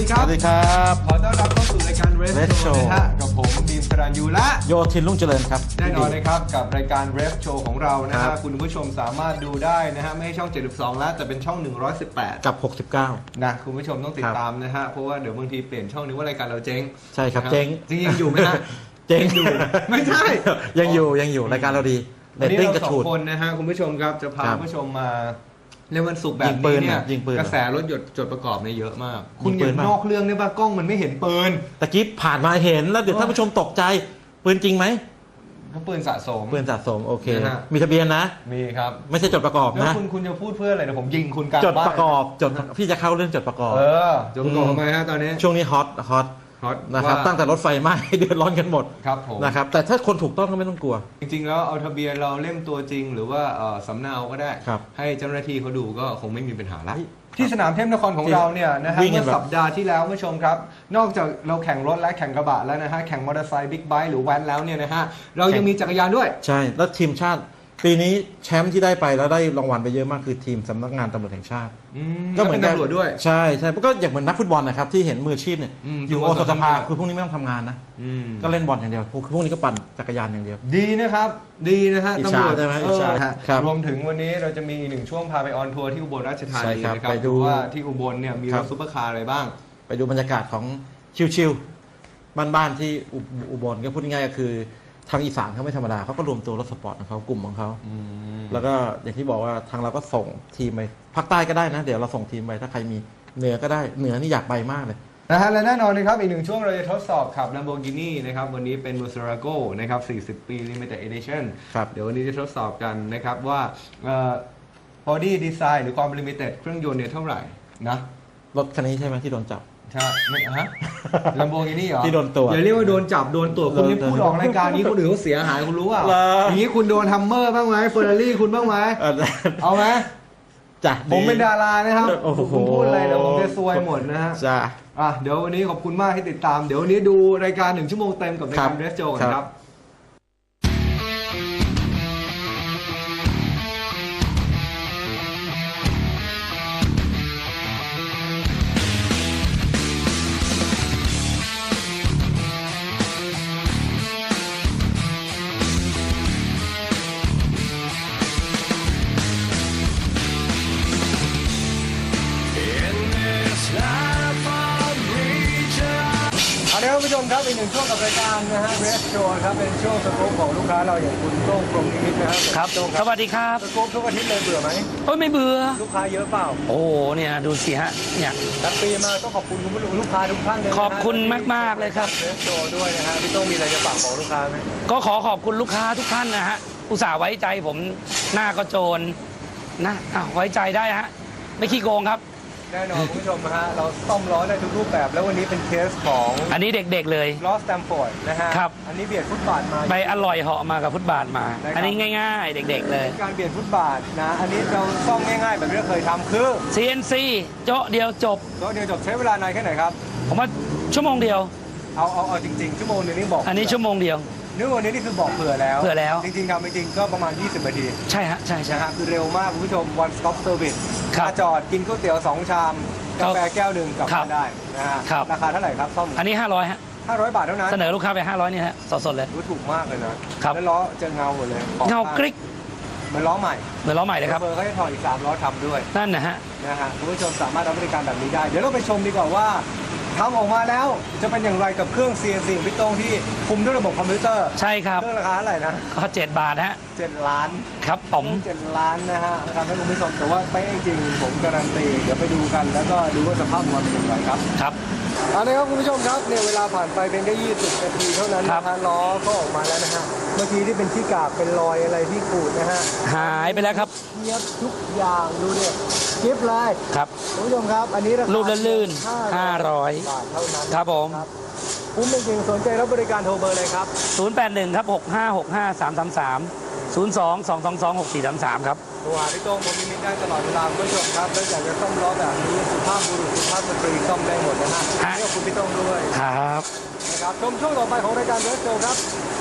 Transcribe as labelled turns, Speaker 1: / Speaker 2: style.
Speaker 1: ครับ
Speaker 2: สวัสดีครับ
Speaker 1: ขอต้อนรับเข้าสู่รายการ Ref Show นะฮะกับผมบีมสรัญยูและ
Speaker 2: โยธินรุ่งเจริญครับ
Speaker 1: แน่นอนนะครับกับรายการ Ref Show ของเรานะ
Speaker 2: ครั
Speaker 1: ฮะ
Speaker 2: บ
Speaker 1: คุณผู้ชมสามารถดูได้นะฮะไม่ใช่ช่อง 72 แล้วแต่เป็นช่อง 118
Speaker 2: กับ 69
Speaker 1: นะคุณผู้ชมต้องติดตามนะฮะเพราะว่าเดี๋ยวบางทีเปลี่ยนช่องนึกว่ารายการเราเจ๊ง
Speaker 2: ใช่ครับ
Speaker 1: นะ
Speaker 2: เจ๊ง
Speaker 1: จริงยังอยู่ไหมฮะ
Speaker 2: เจ๊ง
Speaker 1: อยู่ไม่ใช่
Speaker 2: ยังอยู่รายการเราดีเร
Speaker 1: วัน
Speaker 2: ต
Speaker 1: นี้
Speaker 2: ติ้ง
Speaker 1: เรา
Speaker 2: กระ
Speaker 1: สอ
Speaker 2: ฉู
Speaker 1: ง
Speaker 2: ด
Speaker 1: คนนะฮะคุณผู้ชมครับจะพา
Speaker 2: ครับ
Speaker 1: คุณผู้ชมมาในวันศุกร์แบบ
Speaker 2: ยิงปื
Speaker 1: นี้
Speaker 2: น
Speaker 1: เนี่ย
Speaker 2: ยิงปืน
Speaker 1: กระแสรถยนต์จดประกอบเนี่ยเยอะมาก
Speaker 2: ยิง
Speaker 1: คุณ
Speaker 2: ปื
Speaker 1: อน ย่า
Speaker 2: ป่ะ
Speaker 1: นอกเรื่องได้ป่ะกล้องมันไม่เห็นปืน
Speaker 2: ตะกี้ผ่านมาเห็นแล้วเดี๋ยวท่านผู้ชมตกใจปืนจริงไหม
Speaker 1: เขาปืนสะสม
Speaker 2: ปืนสะสมโอเค
Speaker 1: นะฮะ
Speaker 2: มีทะเบียนนะ
Speaker 1: มีครับ
Speaker 2: ไม่ใช่จดประกอบ
Speaker 1: แล้ว
Speaker 2: นะ
Speaker 1: คุณจะพูดเพื่ออะไรนะผมยิงคุณกลาง
Speaker 2: จด
Speaker 1: บ้าน
Speaker 2: ประกอบพี่จะเข้าเรื่องจดประกอบ
Speaker 1: จดประกอบทำไมฮะตอนนี้
Speaker 2: ช่วงนี้ฮอต
Speaker 1: ฮอต
Speaker 2: นะครับ
Speaker 1: ว่า
Speaker 2: ตั้งแต่รถไฟไหม้ เดือดร้อนกันหมด
Speaker 1: ครับผม
Speaker 2: นะครับแต่ถ้าคนถูกต้องก็ไม่ต้องกลัว
Speaker 1: จริงๆแล้วเอาทะเบียนเราเล่มตัวจริง หรือว่าสำเนาก็ได้
Speaker 2: ครับ
Speaker 1: ให้เจ้าหน้าที่เขาดูก็คงไม่มีปัญหาละ
Speaker 2: เฮ้ย
Speaker 1: ที่สนามเทพนครของเราเนี่ยนะฮะ
Speaker 2: วิ่งกั
Speaker 1: เมื่
Speaker 2: น
Speaker 1: อ
Speaker 2: แบบ
Speaker 1: สัปดาห์ที่แล้วผู้ชมครับ นอกจากเราแข่งรถและแข่งกระบะแล้วนะฮะแข่งมอเตอร์ไซค์บิ๊กไบค์หรือแว้นแล้วเนี่ยนะฮะเรายังมีจักรยานด้วย
Speaker 2: ใช่แล้วทีมชาติปีนี้แชมป์ที่ได้ไปแล้วได้รางวัลไปเยอะมากคือทีมสำนักงานตำรวจแห่งชาติ
Speaker 1: ก็เหมือนตำรวจด้วย
Speaker 2: ใช่ก็อย่างเหมือนนักฟุตบอลนะครับที่เห็นมืออาชีพเนี่ย อยู่
Speaker 1: อืม
Speaker 2: โอสถสภา
Speaker 1: ทำงาน
Speaker 2: คือพวกนี้ไม่ต้องทำงานนะ
Speaker 1: อืม
Speaker 2: ก็เล่นบอลอย่างเดียวพวกนี้ก็ปั่นจักรยานอย่างเดียว
Speaker 1: ดีนะครับดีนะฮะ
Speaker 2: อิจ
Speaker 1: ตำ
Speaker 2: ฉาร
Speaker 1: วจ
Speaker 2: ใช่ไหมอิจฉา
Speaker 1: ฮะ
Speaker 2: ครับ
Speaker 1: รวมถึงวันนี้เราจะมีอีกหนึ่งช่วงพาไปออนทัวร์ที่อุบลราชธา
Speaker 2: ใช่
Speaker 1: นี
Speaker 2: ครับ
Speaker 1: นะครับ
Speaker 2: ไปดู
Speaker 1: ว่าที่อุบลเนี่ยมี
Speaker 2: ค
Speaker 1: ร
Speaker 2: รั
Speaker 1: ถ
Speaker 2: บ
Speaker 1: ซุปเปอร์คาร์อะไรบ้าง
Speaker 2: ไปดูบรรยากาศของชิวๆบ้านๆที่อุบลก็พูดง่ายๆก็คือทางอีสานเขาไม่ธรรมดาเขาก็รวมตัวรถสปอร์ตของเขากลุ่มของเขาแล้วก็อย่างที่บอกว่าทางเราก็ส่งทีมไปภาคใต้ก็ได้นะ เดี๋ยวเราส่งทีมไปถ้าใครมีเหนือก็ได้เหนือนี่อยากไปมากเลย
Speaker 1: นะฮะและแน่นอนนะครับอีกหนึ่งช่วงเราจะทดสอบขับ Lamborghini นะครับวันนี้เป็น Murcielago นะครับ40 ปี Limited Edition
Speaker 2: ครับ
Speaker 1: เดี๋ยววันนี้จะทดสอบกันนะครับว่าbody design หรือความ limited เครื่องยนต์เนี่ยเท่าไหร่นะ
Speaker 2: รถคันนี้ใช่ไหมที่โดนจับ
Speaker 1: ใช่ไม่ฮะ Lamborghini เหรอ
Speaker 2: ที่โดนตรวจ
Speaker 1: อย่าเรียกว่าโดนจับโดนตรวจคุณนี่
Speaker 2: โดน
Speaker 1: พูดออกรายการนี้คนอื่นเขาเสียหายคุณรู้เปล่า
Speaker 2: เหรอ
Speaker 1: อ
Speaker 2: อ
Speaker 1: ย่างนี้คุณโดนฮัมเมอร์บ้างไหมเฟอร์รารี่คุณบ้างไหมเอาไหม
Speaker 2: จ้ะ
Speaker 1: ผมเป็นดารานะครับ
Speaker 2: โอ้โห
Speaker 1: คุณพูดอะไรเดี๋ยวผมจะซวยหมดนะฮะ
Speaker 2: จ้ะ
Speaker 1: เดี๋ยววันนี้ขอบคุณมากที่ติดตาม เดี๋ยววันนี้ดูรายการ1 ชั่วโมงเต็มกับรายการ
Speaker 2: ครับ
Speaker 1: เรสโจกันค
Speaker 2: ครั
Speaker 1: รับ
Speaker 2: บ
Speaker 1: เอาละครับผู้ชมครับอีกหนึ่งช่วงกับรายการนะฮะเรสโจครับเป็นช่วงสกู๊ปของลูกค้าเราอย่างคุณโต้งพรหมนิมิตนะครับ
Speaker 3: ครับ
Speaker 1: โต้ง
Speaker 3: สวัสดีครับ
Speaker 1: สกู๊ปทุกอาทิตย์เลยเบื่อไหม
Speaker 3: โอ้ยไม่เบื่อ
Speaker 1: ลูกค้าเยอะเปล่า
Speaker 3: โอ้โหเนี่ยดูสิฮะเนี่ย
Speaker 1: ตัดปีมาต้องขอบคุณคุณผู้ชมลูกค้าทุกท่านเลยนะฮะ
Speaker 3: ขอบคุณมากๆเลยครับ
Speaker 1: เรสโจด้วยนะฮะพี่โต้งมีอะไรจะฝากบอกลูกค้าไหม
Speaker 3: ก็ขอขอบคุณลูกค้าทุกท่านนะฮะอุตส่าห์ไว้ใจผมหน้าก็โจรนะไว้ใจได้ฮะไม่ขี้โกงครับ
Speaker 1: แน่นอนคุณผู้ชมนะฮะเราซ่อมล้อได้ทุกรูปแบบแล้ววันนี้เป็นเคสของ
Speaker 3: อันนี้เด็กๆเลย
Speaker 1: ล้อสแตมฟอร์ดนะฮะ
Speaker 3: ครับ
Speaker 1: อันนี้เบียดฟุตบาทมา
Speaker 3: ไปอร่อยเหาะมากับฟุตบาทมา
Speaker 1: ได้ครับ
Speaker 3: อันนี้ง่ายๆ เด็กๆเลย
Speaker 1: การเบียดฟุตบาทนะอันนี้เราซ่อมง่ายๆแบบที่เราเคยทำคือ
Speaker 3: CNC โจ๊ะเดียวจบ
Speaker 1: ล้อเดียวจบใช้เวลานานแค่ไหนครับ
Speaker 3: ผมว่าชั่วโมงเดียว
Speaker 1: เอาจริงๆชั่วโมงนึงนี่บอก
Speaker 3: อันนี้ชั่วโมงเดียว
Speaker 1: นึกว่านี้นี่คือบอกเผื่อแล้ว
Speaker 3: เผื่อแล้ว
Speaker 1: จริงๆทำจริงๆก็ประมาณ 20 นาที
Speaker 3: ใช่ฮะใช่ใช่
Speaker 1: นะฮะคือเร็วมากคุณผู้ชม one stop service
Speaker 3: ครับ
Speaker 1: มาจอดกินก๋วยเตี๋ยว 2 ชาม
Speaker 3: ครั
Speaker 1: กา
Speaker 3: บ
Speaker 1: แฟแก้วหนึ่งกลับ
Speaker 3: ครับ
Speaker 1: มาได้นะฮะ
Speaker 3: ครับ
Speaker 1: ราคาเท่าไหร่ครับซ่อม
Speaker 3: อันนี้500ฮะ
Speaker 1: 500 บาทเท่านั้น
Speaker 3: เสนอลูกค้าไป500นี่ฮะสดๆเลย
Speaker 1: รู้ถูกมากเลยนะครับ แล้วล้อจะเงาหมดเลยขอบ
Speaker 3: เงา
Speaker 1: ข้
Speaker 3: กริ๊ก
Speaker 1: เหมือนล้อใหม่
Speaker 3: เหมือนล้อใหม่เลยครับ
Speaker 1: เบอร์เขาจะถอดอีก3ล้อทำด้วย
Speaker 3: นั่นนะฮะ
Speaker 1: นะฮะคุณผู้ชมสามารถรับบริการแบบนี้ได้ เดี๋ยวเราไปชมดีกว่าว่าทำออกมาแล้วจะเป็นอย่างไรกับเครื่อง CNC ของพี่โต้งที่คุมด้วยระบบคอมพิวเตอร์
Speaker 3: ใช่ครับ
Speaker 1: เครื่องราคาเท่าไหร่นะ
Speaker 3: ก็7 บาทฮะ
Speaker 1: 7 ล้าน
Speaker 3: ครับผม
Speaker 1: 7 ล้านนะฮะทำให้คุณผู้ชมแต่ว่าไปจริงผมการันตีเดี๋ยวไปดูกันแล้วก็ดูว่าสภาพมันเป็นอย่างไรครับ
Speaker 3: ครับ
Speaker 1: เอาละครับคุณผู้ชมครับเนี่ยเวลาผ่านไปเป็นแค่20 นาทีเท่านั้น
Speaker 3: ครั
Speaker 1: นะ
Speaker 3: บ
Speaker 1: ฮะล้อก็ออกมาแล้วนะฮะเมื่อกี้ที่เป็นที่กากเป็นรอยอะไรที่ขูดนะฮะ
Speaker 3: หายไปแล้วครับ
Speaker 1: เทียบทุกอย่างดูเนี่ยกิฟต์เลย
Speaker 3: ครับ
Speaker 1: คุณผู้ชมครับอันนี้ราคา
Speaker 3: รูปลื่นๆ
Speaker 1: 500
Speaker 3: 500
Speaker 1: บาทเท่านั้น
Speaker 3: ครับผม
Speaker 1: คุ้มจริงๆสนใจรับบริการโทรเบอร์เลยครับ
Speaker 3: 081ครับ6565333 02-222-6433 ครับ
Speaker 1: โทรหาพี่โต้งผมมีได้ตลอดเวลาคุณผู้ชมครับแล้วอยากจะซ่อมล้อแบบนี้สุภาพบุรุษสุภาพสตรีซ่อมได้หมดนะฮะ
Speaker 3: ฮะ
Speaker 1: เรียกคุณพี่โต้งด้วย
Speaker 3: ครับ
Speaker 1: นะครับชมช่วงต่อไปของรายการเรสโซครับ